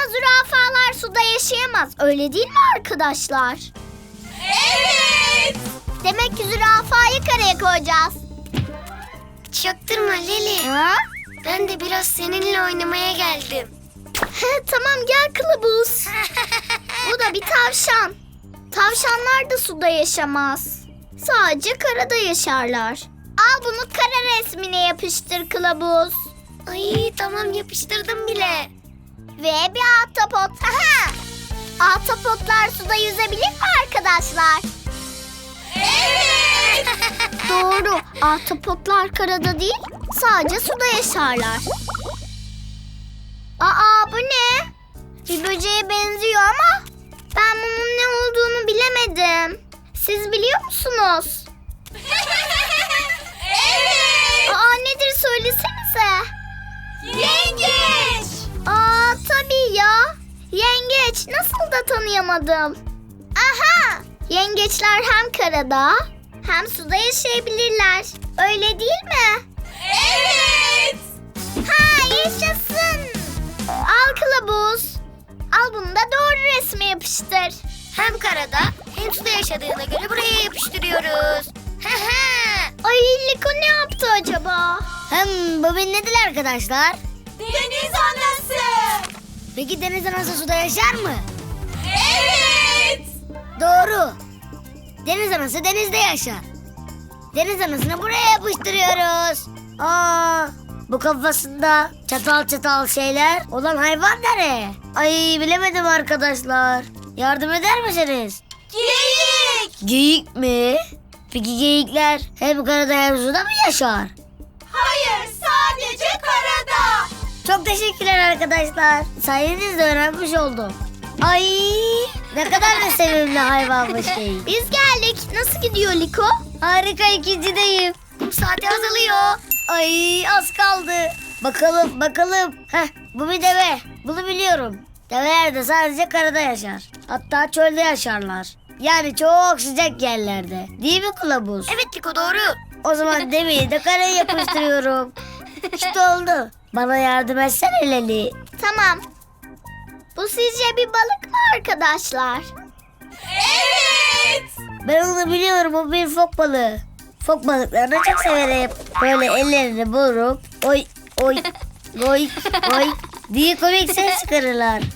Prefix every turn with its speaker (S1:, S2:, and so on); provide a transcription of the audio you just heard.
S1: zürafalar suda yaşayamaz. Öyle değil mi arkadaşlar?
S2: Evet.
S1: Demek ki zürafayı karaya koyacağız.
S3: Çaktırma Leli.
S1: Ha?
S3: Ben de biraz seninle oynamaya geldim.
S1: Tamam gel kılavuz. Bu da bir tavşan. Tavşanlar da suda yaşamaz. Sadece karada yaşarlar. Al bunu kara resmine yapıştır kılavuz.
S3: Ay tamam, yapıştırdım bile.
S1: Ve bir ahtapot. Aha! Ahtapotlar suda yüzebilir mi arkadaşlar?
S2: Evet.
S1: Doğru. Ahtapotlar karada değil, sadece suda yaşarlar. Aa bu ne? Bir böceğe benziyor ama ben bunun ne olduğunu bilemedim. Siz biliyor musunuz?
S2: Evet.
S1: Aa nedir söylesenize.
S2: Yengeç.
S1: Aa tabii ya. Yengeç. Nasıl da tanıyamadım. Aha! Yengeçler hem karada hem suda yaşayabilirler. Öyle değil mi?
S2: Evet.
S1: Ha yaşasın. Al kılavuz. Al bunu da doğru resme yapıştır.
S3: Hem karada hem suda yaşadığına göre buraya yapıştırıyoruz.
S1: Ay Liko ne yaptı acaba?
S3: Bu nedir arkadaşlar?
S2: Deniz anası.
S3: Peki deniz anası suda yaşar mı?
S2: Evet.
S3: Doğru. Deniz anası denizde yaşar. Deniz anasını buraya yapıştırıyoruz. Bu kafasında çatal çatal şeyler olan hayvan nereye? Ay bilemedim arkadaşlar. Yardım eder misiniz?
S2: Geyik.
S3: Geyik mi? Peki geyikler hem karada hem suda mı yaşar?
S2: Hayır, sadece karada.
S3: Çok teşekkürler arkadaşlar. Sayenizde öğrenmiş oldum. Ay ne kadar da sevimli hayvanmış geyik.
S1: Biz geldik. Nasıl gidiyor Liko?
S3: Harika, ikincideyim. Kum saati azalıyor. Ay az kaldı. Bakalım. Bu bir deve. Bunu biliyorum. Develer de sadece karada yaşar. Hatta çölde yaşarlar. Yani çok sıcak yerlerde. Değil mi kılavuz?
S2: Evet Liko, doğru.
S3: O zaman deveyi de karaya yapıştırıyorum. İşte oldu. Bana yardım etsene Leli.
S1: Tamam. Bu sizce bir balık mı arkadaşlar?
S2: Evet.
S3: Ben onu biliyorum, o bir fok balığı. Fok balıklarını çok severim. Böyle ellerini vurup oy diye komik ses çıkarırlar.